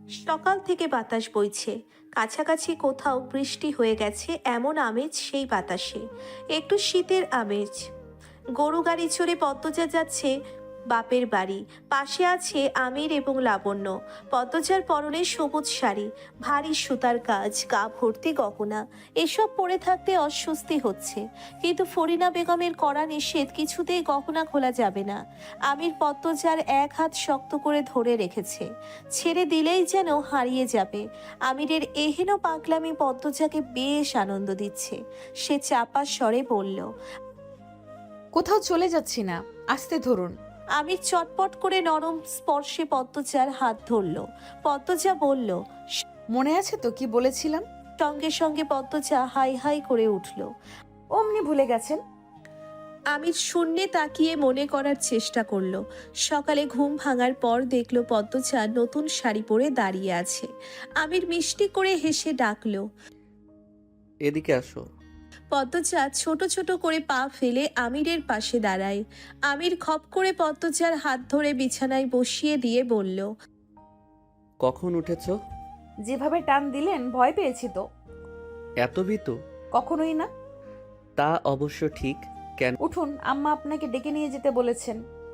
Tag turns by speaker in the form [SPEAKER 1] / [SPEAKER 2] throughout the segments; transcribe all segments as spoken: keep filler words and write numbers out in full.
[SPEAKER 1] সকাল থেকে বাতাস বইছে, কাছাকাছি কোথাও বৃষ্টি হয়ে গেছে এমন আমেজ সেই বাতাসে। একটু শীতের আমেজ। গরু গাড়ি চড়ে পদ্মজা যাচ্ছে বাপের বাড়ি। পাশে আছে আমির এবং লাবণ্য। পদ্মজার পরনে সবুজ শাড়ি, ভারী সুতার কাজ, গা ভর্তি গহনা। এসব পরে থাকতে অস্বস্তি হচ্ছে, কিন্তু ফরিনা বেগমের কড়া নিষেধ, কিছুতেই গহনা খোলা যাবে না। আমির পদ্মজার এক হাত শক্ত করে ধরে রেখেছে, ছেড়ে দিলেই যেন হারিয়ে যাবে। আমিরের এহেন পাগলামি পদ্মজাকে বেশ আনন্দ দিচ্ছে। সে চাপা স্বরে বলল,
[SPEAKER 2] কোথাও চলে যাচ্ছি না, আসতে ধরুন।
[SPEAKER 1] আমির চটপট করে নরম স্পর্শে পদ্মজার হাত ধরল। পদ্মজা বলল,
[SPEAKER 2] মনে আছে তো কি বলেছিলাম?
[SPEAKER 1] সঙ্গে সঙ্গে পদ্মজা হাই হাই করে উঠল।
[SPEAKER 2] অমনি ভুলে গেছেন?
[SPEAKER 1] আমির শূন্যে তাকিয়ে মনে করার চেষ্টা করলো। সকালে ঘুম ভাঙার পর দেখলো পদ্মজা নতুন শাড়ি পরে দাঁড়িয়ে আছে। আমির মিষ্টি করে হেসে ডাকলো,
[SPEAKER 3] এদিকে আসো।
[SPEAKER 1] পদ্মজা ছোট ছোট করে পা ফেলে আমিরের পাশে দাঁড়ায়। আমির খপ করে পদ্মজার হাত ধরে বিছানায় বসিয়ে দিয়ে বলল,
[SPEAKER 3] কখন উঠেছো?
[SPEAKER 2] যেভাবে টান দিলেন ভয় পেয়েছি তো।
[SPEAKER 3] এত ভীতু?
[SPEAKER 2] কখনোই না।
[SPEAKER 3] তা অবশ্য ঠিক। কেন?
[SPEAKER 2] উঠুন, আম্মা আপনাকে ডেকে নিয়ে যেতে বলেছেন।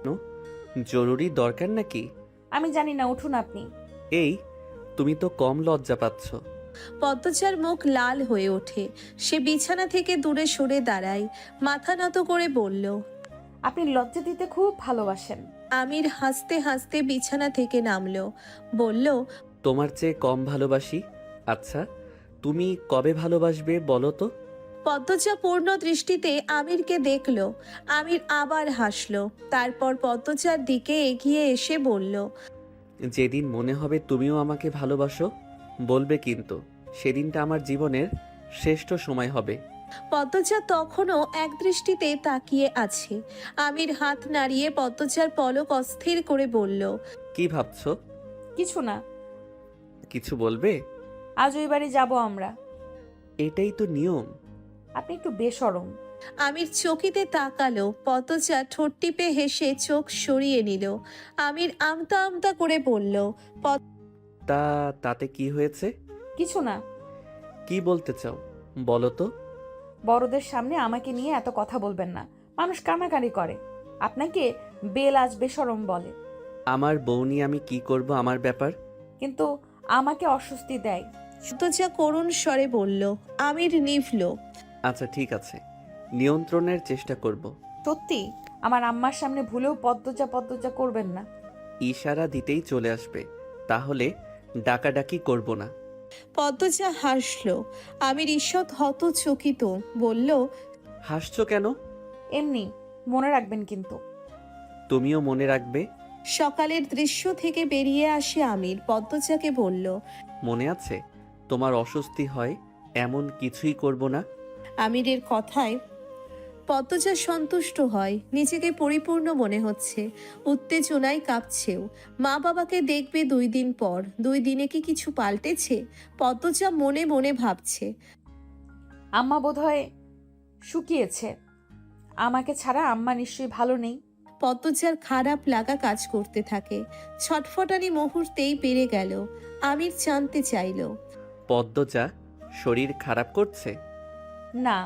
[SPEAKER 3] জরুরি দরকার নাকি?
[SPEAKER 2] আমি জানি না, উঠুন আপনি।
[SPEAKER 3] এই, তুমি তো কম লজ্জা পাচ্ছ।
[SPEAKER 1] পদ্মজার মুখ লাল হয়ে ওঠে। সে বিছানা থেকে দূরে সরে দাঁড়ায়, মাথা নত করে বলল,
[SPEAKER 2] আপনি লজ্জা দিতে খুব ভালোবাসেন।
[SPEAKER 1] আমির হাসতে হাসতে বিছানা থেকে নামলো, বলল,
[SPEAKER 3] তোমার চেয়ে কম ভালোবাসি? আচ্ছা, তুমি কবে ভালোবাসবে বলো তো?
[SPEAKER 1] পদ্মজা পূর্ণ দৃষ্টিতে আমিরকে দেখল। আমির আবার হাসলো, তারপর পদ্মজার দিকে এগিয়ে এসে বলল,
[SPEAKER 3] যেদিন মনে হবে তুমিও আমাকে ভালোবাসো, বলবে কিন্তু সেদিনটা আমার জীবনের শ্রেষ্ঠ সময় হবে।
[SPEAKER 1] পদ্মজা তখনও এক দৃষ্টিতে তাকিয়ে আছে। আমির হাত নাড়িয়ে পদ্মজার পলক অস্থির করে বলল,
[SPEAKER 3] কি ভাবছো?
[SPEAKER 2] কিছু না।
[SPEAKER 3] কিছু বলবে?
[SPEAKER 2] আজ ওই বাড়ি যাবো আমরা।
[SPEAKER 3] এটাই তো নিয়ম।
[SPEAKER 2] আপনি একটু বেশরম।
[SPEAKER 1] আমির চকিতে তাকালো। পদ্মজা ঠোঁট টিপে হেসে চোখ সরিয়ে নিল। আমির আমতা আমতা করে বলল,
[SPEAKER 3] তা তাতে কি হয়েছে?
[SPEAKER 2] কিছু না।
[SPEAKER 3] কি বলতে চাও বলো তো?
[SPEAKER 2] বড়দের সামনে আমাকে নিয়ে এত কথা বলবেন না, মানুষ কানাকানি করে। আপনাকে বেল আজ বেশরম বলে।
[SPEAKER 3] আমার বউ নিয়ে আমি কি করব, আমার ব্যাপার।
[SPEAKER 2] কিন্তু আমাকে অস্বস্তি দেয়।
[SPEAKER 1] পদ্মজা করুণ স্বরে বলল। আমির নিভল।
[SPEAKER 3] আচ্ছা ঠিক আছে, নিয়ন্ত্রণের চেষ্টা করব।
[SPEAKER 2] সত্যি, আমার আম্মার সামনে ভুলেও পদ্মজা পদ্মজা করবেন না।
[SPEAKER 3] ইশারা দিতেই চলে আসবে, তাহলে ডাকাডাকি করব না।
[SPEAKER 1] পদ্মজা হাসল। আমির ঈষৎ হতচকিত, বলল,
[SPEAKER 3] হাসছো কেন?
[SPEAKER 2] এমনি, মনে রাখবেন কিন্তু।
[SPEAKER 3] তুমিও মনে রাখবে।
[SPEAKER 1] সকালের দৃশ্য থেকে বেরিয়ে আসে আমির পদ্মজাকে বলল,
[SPEAKER 3] মনে আছে তোমার অস্বস্তি হয় এমন কিছুই করব না।
[SPEAKER 1] আমিরের কথায় পদ্মজা সন্তুষ্ট হয়। নিজেকে পরিপূর্ণ মনে হচ্ছে। উত্তেজনায় কাঁপছেও। মা বাবাকে দেখবে দুই দিন পর। দুই দিনে কি কিছু পাল্টেছে? পদ্মজা মনে মনে ভাবছে।
[SPEAKER 2] আম্মা বোধহয় শুকিয়েছে। আমাকে ছাড়া আম্মা নিশ্চয়ই ভালো নেই।
[SPEAKER 1] পদ্মজার খারাপ লাগা কাজ করতে থাকে। ছটফটানি মুহূর্তেই বেড়ে গেল। আমির জানতে চাইল,
[SPEAKER 3] পদ্মজা শরীর খারাপ করছে?
[SPEAKER 2] না,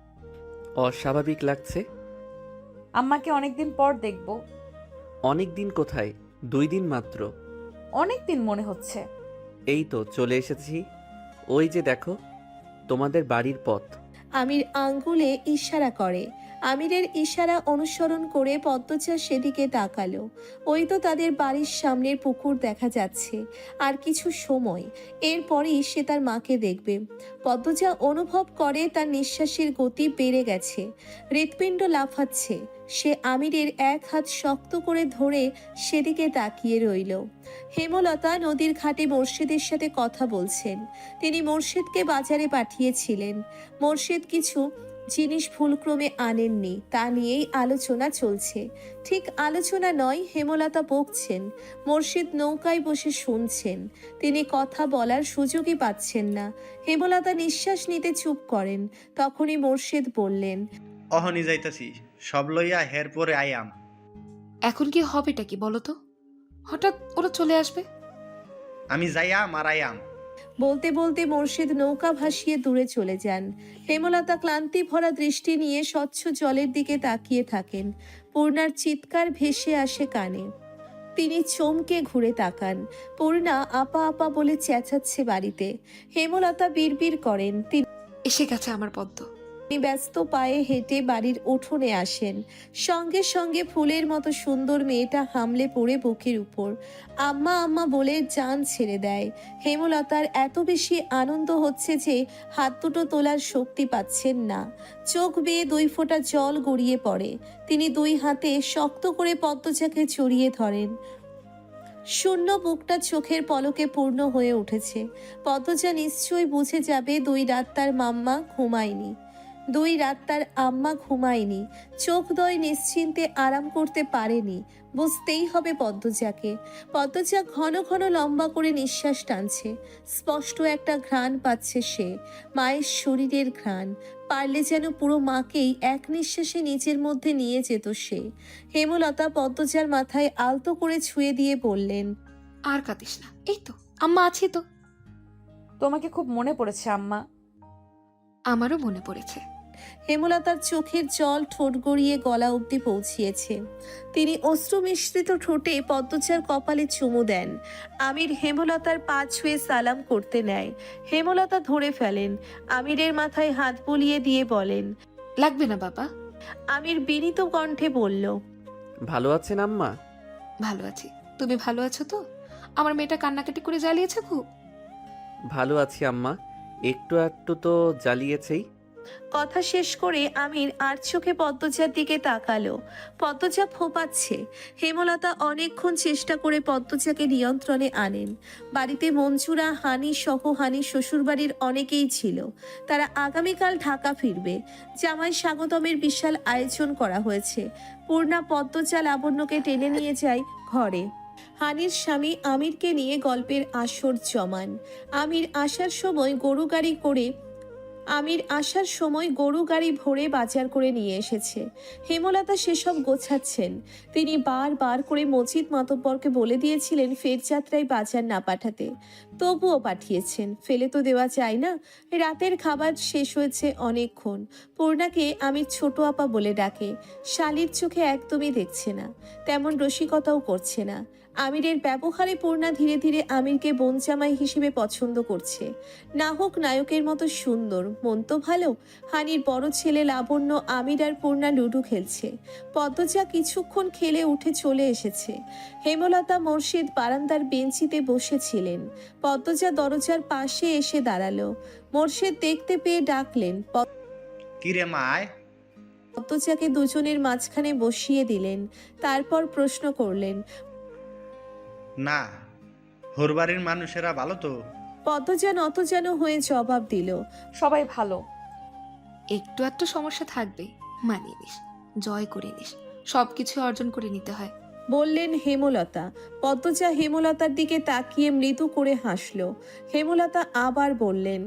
[SPEAKER 3] অস্বাভাবিক লাগছে?
[SPEAKER 2] আম্মাকে অনেকদিন পর দেখব।
[SPEAKER 3] অনেক দিন কোথায়, দুই দিন মাত্র।
[SPEAKER 2] অনেক দিন মনে হচ্ছে।
[SPEAKER 3] এই তো চলে এসেছি। ওই যে দেখো, তোমাদের বাড়ির পথ।
[SPEAKER 1] আমির আঙ্গুলে ইশারা করে। আমিরের ইশারা অনুসরণ করে পদ্মজা সেদিকে তাকালো। ওই তো তাদের বাড়ির সামনের পুকুর দেখা যাচ্ছে। আর কিছু সময় এরপরই সে তার মাকে দেখবে। পদ্মজা অনুভব করে তার নিঃশ্বাসের গতি বেড়ে গেছে। হৃৎপিণ্ড লাফাচ্ছে। সে আমিরের এক হাত শক্ত করে ধরে সেদিকে তাকিয়ে রইল। হেমলতা নদীর ঘাটে মোর্শেদের সাথে কথা বলছেন। তিনি মোর্শেদকে বাজারে পাঠিয়েছিলেন। মোর্শেদ কিছু জিনিস ভুলক্রমে আনেননি, তা নিয়েই আলোচনা চলছে। ঠিক আলোচনা নয়, হেমলতা বকছেন। মোর্শেদ নৌকায় বসে শুনছেন। তিনি কথা বলার সুযোগই পাচ্ছেন না। হেমলতা নিঃশ্বাস নিতে চুপ করেন। তখনই মোর্শেদ বললেন,
[SPEAKER 4] অহনি যাইতাছি, সব লইয়া হের পরে আয়াম।
[SPEAKER 5] এখন কি হবেটা কি বলো তো? হঠাৎ ওরা চলে আসবে।
[SPEAKER 4] আমি যাইয়াম আর আয়াম।
[SPEAKER 1] বলতে বলতে মোর্শেদ নৌকা ভাসিয়ে দূরে চলে যান। হেমলতা ক্লান্তি ভরা দৃষ্টি নিয়ে স্বচ্ছ জলের দিকে তাকিয়ে থাকেন। পূর্ণার চিৎকার ভেসে আসে কানে। তিনি চমকে ঘুরে তাকান। পূর্ণা আপা আপা বলে চেঁচাচ্ছে বাড়িতে। হেমলতা বিড়বিড় করেন। তিনি
[SPEAKER 5] এসে গেছে আমার পদ্ম।
[SPEAKER 1] ব্যস্ত পায়ে হেঁটে বাড়ির উঠোনে আসেন। সঙ্গে সঙ্গে ফুলের মতো সুন্দর মেয়েটা হামলে পড়ে বুকের উপর আম্মা আম্মা বলে জান ছেড়ে দেয়। হেমলতার এত বেশি আনন্দ হচ্ছে যে হাত দুটো তোলার শক্তি পাচ্ছেন না। চোখ বেয়ে দুই ফোঁটা জল গড়িয়ে পড়ে। তিনি দুই হাতে শক্ত করে পদ্মজাকে জড়িয়ে ধরেন। শূন্য বুকটা চোখের পলকে পূর্ণ হয়ে উঠেছে। পদ্মজা নিশ্চয়ই বুঝে যাবে দুই রাত তার মাম্মা ঘুমায়নি, দুই রাত তার আম্মা ঘুমায়নি, চোখদ্বয় নিশ্চিন্তে আরাম করতে পারেনি। বুঝতেই হবে পদ্মজাকে। পদ্মজা ঘন ঘন লম্বা করে নিঃশ্বাস টানছে। স্পষ্ট একটা ঘ্রাণ পাচ্ছে সে, মায়ের শরীরের ঘ্রাণ। পারলে যেন পুরো মাকেই এক নিঃশ্বাসে নিজের মধ্যে নিয়ে যেত সে। হেমলতা পদ্মজার মাথায় আলতো করে ছুঁয়ে দিয়ে বললেন,
[SPEAKER 5] আর কাঁদিস না, এই তো আম্মা আছি তো।
[SPEAKER 2] তোমাকে খুব মনে পড়েছে আম্মা।
[SPEAKER 5] আমারও মনে পড়েছে।
[SPEAKER 1] হেমলতার চোখের জল ঠোঁট গড়িয়ে গলা অবধি পৌঁছিয়েছে। তিনি অশ্রু মিশ্রিত ঠোঁটে পদ্মজার কপালে চুমু দেন। আমির হেমলতার পা ছুঁয়ে সালাম করতে নেয়। হেমলতা ধরে ফেলেন। আমিরের মাথায় হাত বুলিয়ে দিয়ে বলেন,
[SPEAKER 5] লাগবে না বাবা।
[SPEAKER 1] আমির বিনীত কণ্ঠে বলল,
[SPEAKER 3] ভালো আছেন আম্মা?
[SPEAKER 5] ভালো আছি, তুমি ভালো আছো তো? আমার মেয়েটা কান্নাকাটি করে জ্বালিয়েছে খুব।
[SPEAKER 3] ভালো আছি আম্মা, একটু একটু তো জ্বালিয়েছেই।
[SPEAKER 1] কথা শেষ করে আমির আর চোখে পদ্মজার দিকে তাকালো। পদ্মজা ফোপাচ্ছে। হেমলতা অনেকক্ষণ চেষ্টা করে পদ্মজাকে নিয়ন্ত্রণে আনেন। বাড়িতে মঞ্জুরা, হানি সহ হানি শ্বশুরবাড়ির অনেকেই ছিল। তারা আগামীকাল ঢাকা ফিরবে। জামাই স্বাগতমের বিশাল আয়োজন করা হয়েছে। পূর্ণা পদ্মজা লাবণ্যকে টেনে নিয়ে যায় ঘরে। হানির স্বামী আমিরকে নিয়ে গল্পের আসর জমান। আমির আসার সময় গরু গাড়ি করে আমির আসার সময় গরু গাড়ি ভরে বাজার করে নিয়ে এসেছে। হেমলতা সেসব গোছাচ্ছেন। তিনি বারবার করে মজিদ মাতব্বরকে বলে দিয়েছিলেন ফের যাত্রায় বাজার না পাঠাতে, তবুও পাঠিয়েছেন। ফেলে তো দেওয়া যায় না। রাতের খাবার শেষ হয়েছে অনেকক্ষণ। পূর্ণাকে আমির ছোট আপা বলে ডাকে। শালির চোখে একদমই দেখছে না, তেমন রসিকতাও করছে না। আমিরের ব্যবহারে পূর্ণা ধীরে ধীরে আমিরকে বোনজামাই হিসেবে পছন্দ করছে। না হোক নায়কের মতো সুন্দর, মন তো ভালো। হানির বড় ছেলে লাবণ্য আমির আর পূর্ণা লুডু খেলছে। পদ্মজা কিছুক্ষণ খেলে উঠে চলে এসেছে। হেমলতা মোর্শেদ বারান্দার বেঞ্চিতে বসেছিলেন। পদ্মজা দরজার পাশে এসে দাঁড়ালো। মোর্শেদ দেখতে পেয়ে ডাকলেন।
[SPEAKER 4] কিরে মা আয়।
[SPEAKER 1] পদ্মজাকে দুজনের মাঝখানে বসিয়ে দিলেন। তারপর প্রশ্ন করলেন,
[SPEAKER 4] না, হোর বাড়ির মানুষেরা ভালো তো?
[SPEAKER 1] পদ্মজা নত যেন হয়ে জবাব দিল,
[SPEAKER 2] সবাই ভালো।
[SPEAKER 5] একটু একটু সমস্যা থাকবে, মানিয়ে নিস, জয় করে নিস, সবকিছু অর্জন করে নিতে হয়।
[SPEAKER 1] বললেন হেমলতা। পদ্মজা হেমলতার দিকে তাকিয়ে মৃদু করে হাসল। হেমলতা আবার বললেন,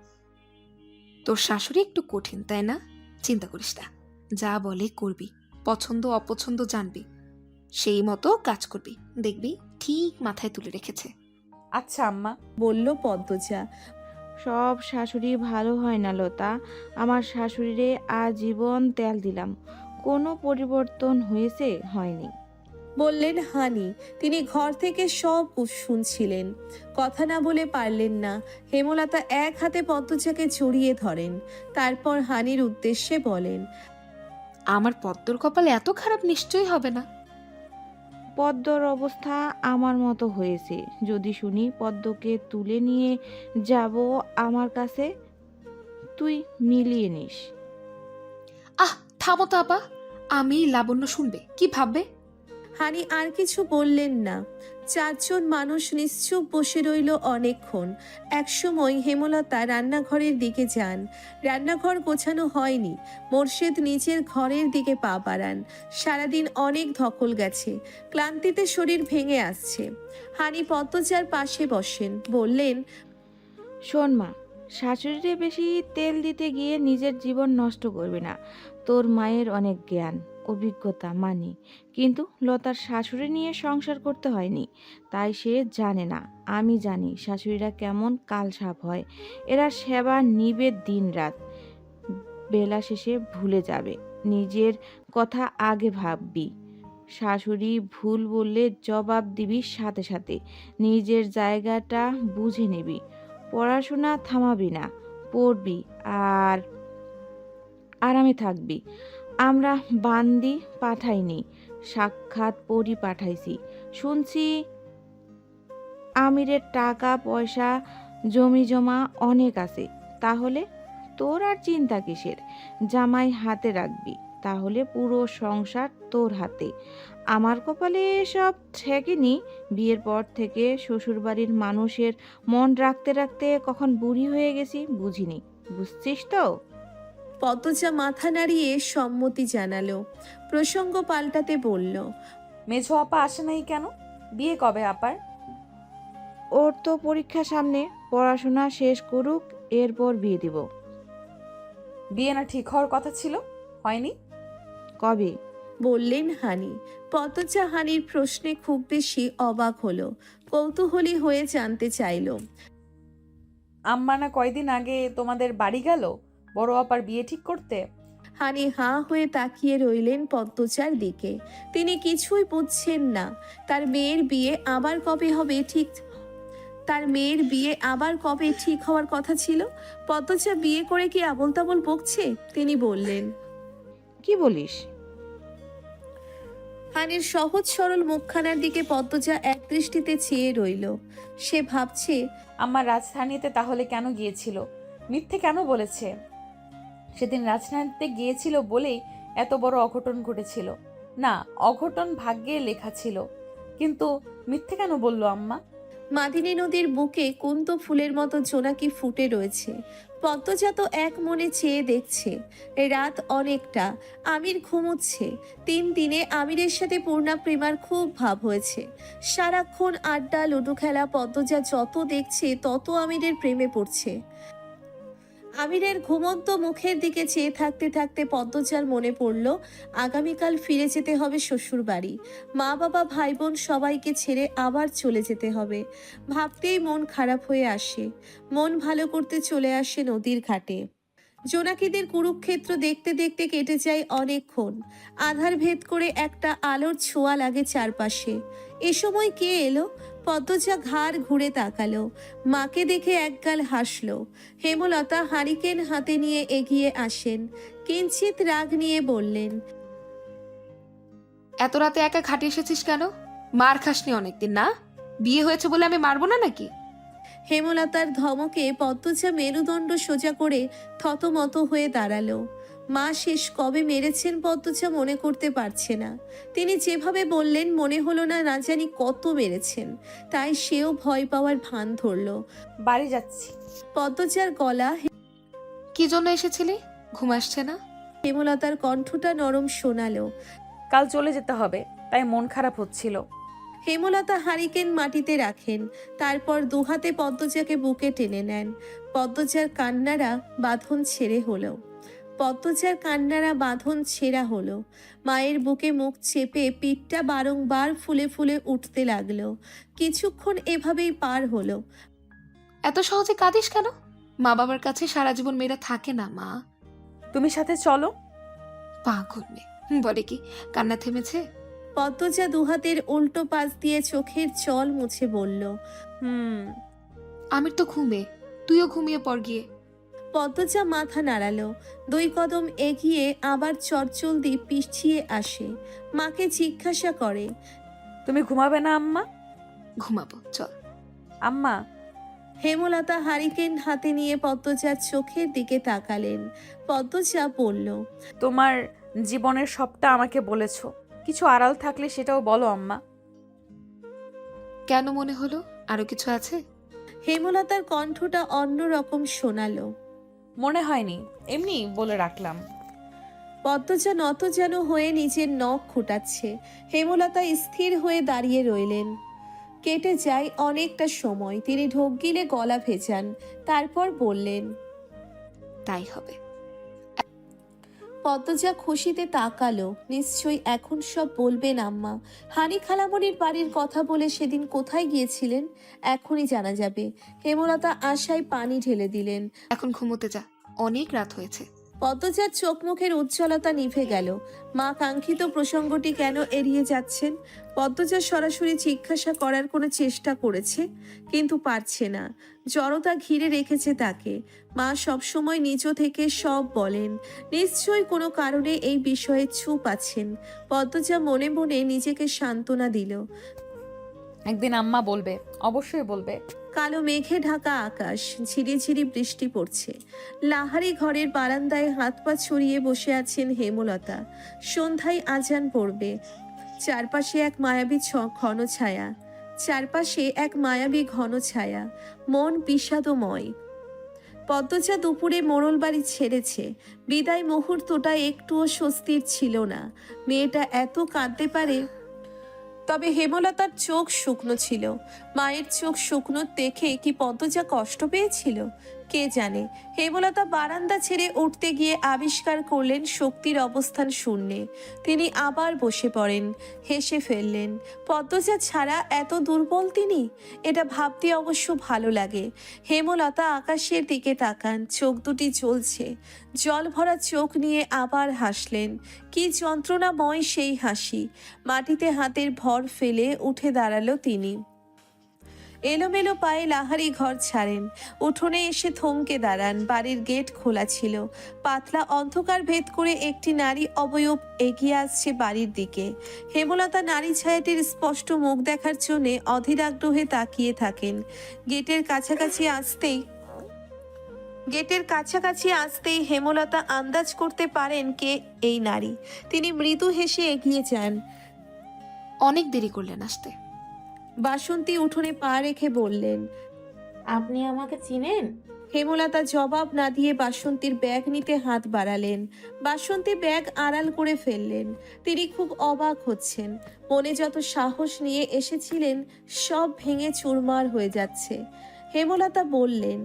[SPEAKER 5] তোর শাশুড়ি একটু কঠিন তাই না? চিন্তা করিস না, যা বলে করবি, পছন্দ অপছন্দ জানবি, সেই মতো কাজ করবি, দেখবি ঠিক মাথায় তুলে রেখেছে।
[SPEAKER 2] আচ্ছা আম্মা।
[SPEAKER 1] বলল পদ্মজা।
[SPEAKER 6] সব শাশুড়ি ভালো হয় না লতা। আমার শাশুড়িরে আজীবন তেল দিলাম, কোনো পরিবর্তন হয়েছে? হয়নি।
[SPEAKER 1] বললেন হানি। তিনি ঘর থেকে সব শুনছিলেন, কথা না বলে পারলেন না। হেমলতা এক হাতে পদ্মজাকে জড়িয়ে ধরেন। তারপর হানির উদ্দেশ্যে বলেন,
[SPEAKER 5] আমার পদ্মর কপাল এত খারাপ নিশ্চয়ই হবে না।
[SPEAKER 6] পদ্মর অবস্থা আমার মতো হয়েছে। যদি শুনি পদ্মকে তুলে নিয়ে যাব আমার কাছে, তুই মিলিয়ে নিস।
[SPEAKER 5] আহ থামো তো আপা, আমি লাবণ্য শুনবে, কি ভাববে?
[SPEAKER 1] হানি আর কিছু বললেন না। চারজন মানুষ নিশ্চুপ বসে রইল অনেকক্ষণ। একসময় হেমলতা রান্নাঘরের দিকে যান। রান্নাঘর গোছানো হয়নি। মোর্শেদ নিজের ঘরের দিকে পা বাড়ান। সারাদিন অনেক ধকল গেছে, ক্লান্তিতে শরীর ভেঙে আসছে। হানি পদ্মজার পাশে বসেন। বললেন,
[SPEAKER 6] শোন মা, শাশুড়িরে বেশি তেল দিতে গিয়ে নিজের জীবন নষ্ট করবি না। তোর মায়ের অনেক জ্ঞান, অভিজ্ঞতা মানি, কিন্তু লতার শাশুড়ি নিয়ে সংসার করতে হয়নি, তাই সে জানে না। আমি জানি শাশুড়িরা কেমন কালসাপ হয়। এরা সেবা নিবে দিন রাত, বেলা শেষে ভুলে যাবে। নিজের কথা আগে ভাববি, শাশুড়ি ভুল বললে জবাব দিবি সাথে সাথে। নিজের জায়গাটা বুঝে নিবি। পড়াশোনা থামাবি না, পড়বি আর আরামে থাকবি। আমরা বান্দি পাঠাইনি, সাক্ষাৎ পরি পাঠাইছি। শুনছি আমিরের টাকা পয়সা জমি জমা অনেক আছে, তাহলে তোর আর চিন্তা কিসের? জামাই হাতে রাখবি, তাহলে পুরো সংসার তোর হাতে। আমার কপালে এসব ঠেকেনি। বিয়ের পর থেকে শ্বশুরবাড়ির মানুষের মন রাখতে রাখতে কখন বুড়ি হয়ে গেছি বুঝিনি। বুঝছিস তো?
[SPEAKER 1] পদ্মজা মাথা নাড়িয়ে সম্মতি জানালো। প্রসঙ্গ পাল্টাতে বলল,
[SPEAKER 2] মেঝো আপা আসে নাই কেন? বিয়ে কবে আপার?
[SPEAKER 6] ওর তো পরীক্ষা সামনে, পড়াশোনা শেষ করুক, এরপর বিয়ে দিব।
[SPEAKER 2] বিয়ে না ঠিক হওয়ার কথা ছিল, হয়নি?
[SPEAKER 6] কবে?
[SPEAKER 1] বললেন হানি। পদ্মজা হানির প্রশ্নে খুব বেশি অবাক হলো, কৌতূহলী হয়ে জানতে চাইল।
[SPEAKER 2] আম্মা না কয়দিন আগে তোমাদের বাড়ি গেল বড় আপার বিয়ে ঠিক করতে?
[SPEAKER 1] হানি হাঁ হয়ে তাকিয়ে রইলেন পদ্মজার দিকে। তিনি কিছুই বুঝছেন না। তার মেয়ের বিয়ে আবার কবে হবে ঠিক তার মেয়ের বিয়ে আবার কবে ঠিক হওয়ার কথা ছিল? পদ্মজা বিয়ে করে কি আবোল তাবোল বকছে? তিনি বললেন,
[SPEAKER 6] কি বলিস?
[SPEAKER 1] হানির সহজ সরল মুখখানার দিকে পদ্মজা এক দৃষ্টিতে চেয়ে রইল। সে ভাবছে,
[SPEAKER 2] আম্মা রাজধানীতে তাহলে কেন গিয়েছিল? মিথ্যে কেন বলেছে? সেদিন রাজধানীতে গিয়েছিল বলেই এত বড় অঘটন ঘটেছিল। না, অঘটন ভাগ্যে লেখা ছিল, কিন্তু মিথ্যে কেন বললো আম্মা?
[SPEAKER 1] মাদিনী নদীর বুকে কুন্ত ফুলের মতো জোনাকি ফুটে রয়েছে। পদ্মজা তো এক মনে চেয়ে দেখছে। রাত অনেকটা, আমির ঘুমোচ্ছে। তিন দিনে আমিরের সাথে পূর্ণা প্রেমার খুব ভাব হয়েছে। সারাক্ষণ আড্ডা লুডো খেলা, পদ্মজা যত দেখছে তত আমিরের প্রেমে পড়ছে। আমিরের ঘুমন্ত মুখের দিকে চেয়ে থাকতে থাকতে পদ্মজার মনে পড়ল আগামীকাল ফিরে যেতে হবে শ্বশুর বাড়ি। মা বাবা ভাই বোন সবাইকে ছেড়ে আবার চলে যেতে হবে। ভাবতেই মন খারাপ হয়ে আসে। মন ভালো করতে চলে আসে নদীর ঘাটে। জোনাকিদের কুরুক্ষেত্র দেখতে দেখতে কেটে যায় অনেকক্ষণ। আধার ভেদ করে একটা আলোর ছোঁয়া লাগে চারপাশে। এ সময় কে এলো? পদ্মজা ঘাড় ঘুরে তাকালো। মাকে দেখে একগাল হাসলো। হেমলতা হারিকেন হাতে নিয়ে এগিয়ে আসেন। কিঞ্চিত রাগ নিয়ে বললেন,
[SPEAKER 5] এত রাতে একা খাটে এসেছিস কেন? মার খাসনি অনেকদিন না? বিয়ে হয়েছে বলে আমি মারবো না নাকি?
[SPEAKER 1] হেমলতার ধমকে পদ্মজা মেরুদণ্ড সোজা করে থতমত হয়ে দাঁড়ালো। মা শেষ কবে মেরেছেন পদ্মজা মনে করতে পারছে না। তিনি যেভাবে বললেন মনে হলো না না জানি কত মেরেছেন। তাই সেও ভয় পাওয়ার ভান ধরল।
[SPEAKER 2] বাড়ি যাচ্ছি।
[SPEAKER 1] পদ্মজার গলা,
[SPEAKER 5] কি জন্য এসেছিলি? ঘুম আসছে না?
[SPEAKER 1] হেমলতার কণ্ঠটা নরম শোনালো।
[SPEAKER 2] কাল চলে যেতে হবে, তাই মন খারাপ হচ্ছিল।
[SPEAKER 1] হেমলতা হারিকেন মাটিতে রাখেন, তারপর দুহাতে পদ্মজাকে বুকে টেনে নেন। পদ্মজার কান্নারা বাঁধন ছেড়ে হলো পদ্মজার কান্নারা বাঁধন ছেঁড়া হলো। মায়ের বুকে মুখ চেপে পিঠটা বারংবার ফুলে ফুলে উঠতে লাগলো। কিছুক্ষণ এভাবেই পার হলো।
[SPEAKER 5] এত সহজে কাঁদিস কেন? মা বাবার কাছে সারা জীবন মেয়েরা থাকে না মা।
[SPEAKER 2] তুমি সাথে চলো।
[SPEAKER 5] পাগল মেয়ে, বলে কি কান্না থেমেছে?
[SPEAKER 1] পদ্মজা দুহাতের উল্টো পাশ দিয়ে চোখের জল মুছে বলল,
[SPEAKER 2] হুম।
[SPEAKER 5] আমির তো ঘুমে, তুইও ঘুমিয়ে পড় গিয়ে।
[SPEAKER 1] পদ্মজা মাথা নাড়ালো। দুই কদম এগিয়ে আবার চটজলদি পিছিয়ে আসে। মাকে জিজ্ঞাসা করে,
[SPEAKER 2] তুমি ঘুমাবে না আম্মা?
[SPEAKER 5] ঘুমাবো, চল।
[SPEAKER 2] আম্মা।
[SPEAKER 1] হেমলতা হারিকেন হাতে নিয়ে পদ্মজার চোখের দিকে তাকালেন। পদ্মজা বলল,
[SPEAKER 2] তোমার জীবনের সবটা আমাকে বলেছো, কিছু আড়াল থাকলে সেটাও বলো আম্মা।
[SPEAKER 5] কেন মনে হলো আরো কিছু আছে?
[SPEAKER 1] হেমলতার কণ্ঠটা অন্যরকম শোনালো।
[SPEAKER 2] মনে হয়নি, এমনি বলে রাখলাম।
[SPEAKER 1] পদ্মজা নত যেন হয়ে নিজের নখ খুঁটাচ্ছে। হেমলতা স্থির হয়ে দাঁড়িয়ে রইলেন। কেটে যায় অনেকটা সময়। তিনি ঢোক গিলে গলা ভেজান, তারপর বললেন,
[SPEAKER 5] তাই হবে।
[SPEAKER 1] পদ্মজা খুশিতে তাকালো। নিশ্চয়ই এখন সব বলবেন আম্মা। হানি খালামণির বাড়ির কথা বলে সেদিন কোথায় গিয়েছিলেন এখনই জানা যাবে। হেমলতা আশায় পানি ঢেলে দিলেন।
[SPEAKER 5] এখন ঘুমোতে যা, অনেক রাত হয়েছে।
[SPEAKER 1] পদ্মজার চোখ মুখের উজ্জ্বলতা নিভে গেল। মা কাঙ্ক্ষিত প্রসঙ্গটি কেন এড়িয়ে যাচ্ছেন? পদ্মজা সরাসরি জিজ্ঞাসা করার কোনো চেষ্টা করেছে, কিন্তু পারছে না। জড়তা ঘিরে রেখেছে তাকে। মা সবসময় নিজ থেকে সব বলেন। নিশ্চয়ই কোনো কারণে এই বিষয়ে চুপ আছেন। পদ্মজা মনে মনে নিজেকে সান্ত্বনা দিল।
[SPEAKER 2] একদিন আম্মা বলবে, অবশ্যই বলবে।
[SPEAKER 1] কালো মেঘে ঢাকা আকাশ, ঝিরিঝিরি বৃষ্টি পড়ছে। লাহারি ঘরের বারান্দায় হাত পা ছড়িয়ে বসে আছেন হেমলতা। সন্ধ্যায় আজান পড়বে। চারপাশে এক মায়াবী ছ- ঘন ছায়া চারপাশে এক মায়াবী ঘন ছায়া মন বিষাদময়। পদ্মজা দুপুরে মোড়ল বাড়ি ছেড়েছে। বিদায় মুহূর্তটা একটুও স্বস্তির ছিল না। মেয়েটা এত কাঁদতে পারে? তবে হেমলতার চোখ শুকনো ছিল। মায়ের চোখ শুকনো দেখে কি পদ্মজা কষ্ট পেয়েছিল? কে জানে। হেমলতা বারান্দা ছেড়ে উঠতে গিয়ে আবিষ্কার করলেন শক্তির অবস্থান শূন্যে। তিনি আবার বসে পড়েন, হেসে ফেললেন। পদ্মজা ছাড়া এত দুর্বল তিনি? এটা ভাবতে অবশ্য ভালো লাগে। হেমলতা আকাশের দিকে তাকান, চোখ দুটি জ্বলছে। জল ভরা চোখ নিয়ে আবার হাসলেন। কি যন্ত্রণাময় সেই হাসি! মাটিতে হাতের ভর ফেলে উঠে দাঁড়ালো তিনি। এলোমেলো পায়ে লাহারি ঘর ছাড়েন। উঠোনে এসে থমকে দাঁড়ান। বাড়ির গেট খোলা ছিল। পাতলা অন্ধকার ভেদ করে একটি নারী অবয়ব এগিয়ে আসছে বাড়ির দিকে। হেমলতা নারী ছায়াটির স্পষ্ট মুখ দেখার জন্যে অধীর আগ্রহে তাকিয়ে থাকেন। গেটের কাছাকাছি আসতেই গেটের কাছাকাছি আসতেই হেমলতা আন্দাজ করতে পারেন কে এই নারী। তিনি মৃদু হেসে এগিয়ে যান।
[SPEAKER 5] অনেক দেরি করলেন আসতে।
[SPEAKER 1] বাসন্তী উঠোনে পা রেখে বললেন।
[SPEAKER 7] আপনি আমাকে চিনেন?
[SPEAKER 1] হেমলতা জবাব না দিয়ে বাসন্তীর ব্যাগ নিতে হাত বাড়ালেন। বাসন্তী ব্যাগ আড়াল করে ফেললেন। তিনি খুব অবাক হচ্ছেন। মনে যত সাহস নিয়ে এসেছিলেন সব ভেঙে চুরমার হয়ে যাচ্ছে। হেমলতা বললেন,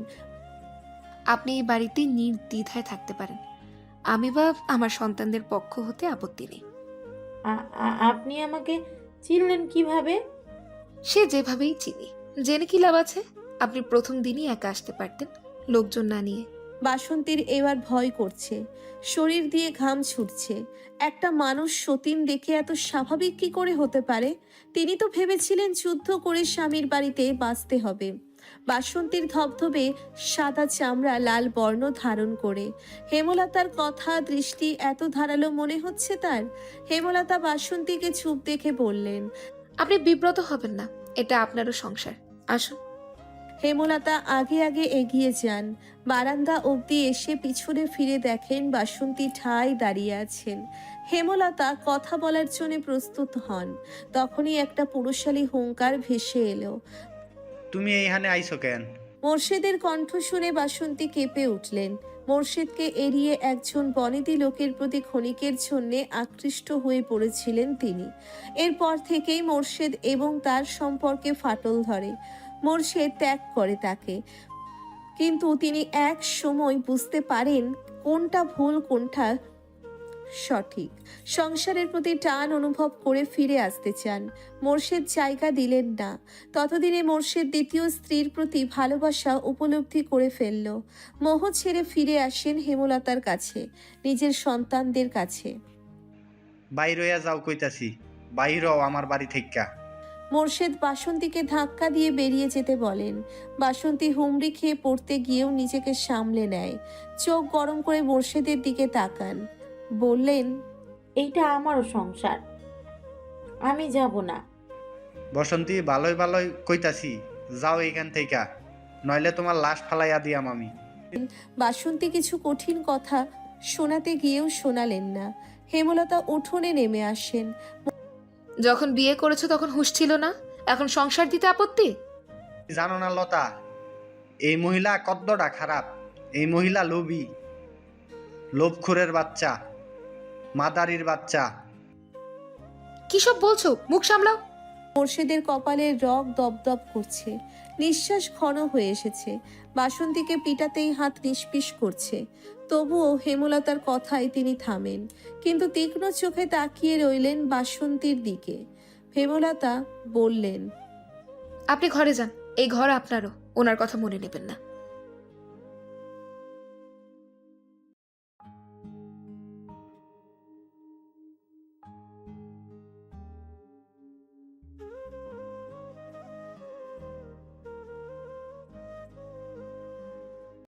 [SPEAKER 5] আপনি এই বাড়িতে নির্দ্বিধায় থাকতে পারেন। আমি বা আমার সন্তানদের পক্ষ হতে আপত্তি নেই।
[SPEAKER 7] আ- আ- আপনি আমাকে চিনলেন কিভাবে?
[SPEAKER 5] সে যেভাবেই চিনি, জেনে কি লাভ আছে? আপনি প্রথম দিনই একা আসতে পারতেন, লোকজন না নিয়ে।
[SPEAKER 1] বাসন্তীর এবার ভয় করছে। শরীর দিয়ে ঘাম ছুটছে। একটা মানুষ সতীন দেখে এত স্বাভাবিক কি করে হতে পারে? তিনি তো ভেবেছিলেন যুদ্ধ করে স্বামীর বাড়িতে বাঁচতে হবে। বাসন্তীর ধবধবে সাদা চামড়া লাল বর্ণ ধারণ করে। হেমলতার কথা দৃষ্টি এত ধারালো মনে হচ্ছে তার। হেমলতা বাসন্তীকে চুপ দেখে বললেন,
[SPEAKER 5] আপনি বিব্রত হবেন না, এটা আপনারও সংসার। আসুন।
[SPEAKER 1] হেমলতা আগে আগে এগিয়ে যান। বারান্দা অবধি এসে পিছনে ফিরে দেখেন বাসন্তী ঠায় দাঁড়িয়ে আছেন। হেমলতা কথা বলার জন্য প্রস্তুত হন। তখনই একটা পুরুষালী হুঙ্কার ভেসে এলো।
[SPEAKER 4] তুমি এইখানে আইছো কেন?
[SPEAKER 1] মোর্শেদের কণ্ঠ শুনে বাসন্তী কেঁপে উঠলেন। মোর্শেদকে এড়িয়ে একজন বনেদি লোকের প্রতি ক্ষণিকের জন্যে আকৃষ্ট হয়ে পড়েছিলেন তিনি। এরপর থেকেই মোর্শেদ এবং তার সম্পর্কে ফাটল ধরে। মোর্শেদ ত্যাগ করে তাকে, কিন্তু তিনি এক সময় বুঝতে পারেন কোনটা ভুল কোনটা সঠিক। সংসারের প্রতি টান অনুভব করে ফিরে আসতে চান। মোর্শেদ জায়গা দিলেন না। ততদিনে মোর্শেদ দ্বিতীয় স্ত্রীর প্রতি ভালোবাসা উপলব্ধি করে ফেলল। মোহ ছেড়ে ফিরে আসেন হেমলতার কাছে, নিজের সন্তানদের কাছে।
[SPEAKER 4] বাইর হইয়া যাও কইতাছি, বাইর হও আমার বাড়ি থেইক্কা।
[SPEAKER 1] মোর্শেদ বাসন্তীকে ধাক্কা দিয়ে বেরিয়ে যেতে বলেন। বাসন্তী হুমড়ি খেয়ে পড়তে গিয়েও নিজেকে সামলে নেয়। চোখ গরম করে মোর্শেদের দিকে তাকান, বললেন,
[SPEAKER 7] এইটা আমারও সংসার, আমি যাব না।
[SPEAKER 4] বসন্তী ভালোই ভালোই কইতাছি, যাও এইখান থেইকা, নইলে তোমার লাশ ফালাইয়া দিয়াম আমি।
[SPEAKER 1] বাসন্তী কিছু কঠিন কথা শোনাতে গিয়েও শোনালেন না। হেমলতা উঠোনে নেমে আসেন।
[SPEAKER 5] যখন বিয়ে করেছো তখন হুঁশ ছিল না, এখন সংসার দিতে আপত্তি?
[SPEAKER 4] জানো না লতা, এই মহিলা কদ্দটা খারাপ। এই মহিলা লোভী, লোভখোরের বাচ্চা, মাদারির বাচ্চা।
[SPEAKER 5] কি সব বলছো? মুখ সামলাও।
[SPEAKER 1] মোর্শেদের কপালের রগ দপদপ করছে। নিঃশ্বাস ঘন হয়ে এসেছে। বাসন্তীকে পিটাতেই হাত নিষ্পিস করছে। তবুও হেমলতার কথায় তিনি থামেন, কিন্তু তীক্ষ্ণ চোখে তাকিয়ে রইলেন বাসন্তীর দিকে। হেমলতা বললেন,
[SPEAKER 5] আপনি ঘরে যান, এই ঘর আপনারও, ওনার কথা মনে নেবেন না।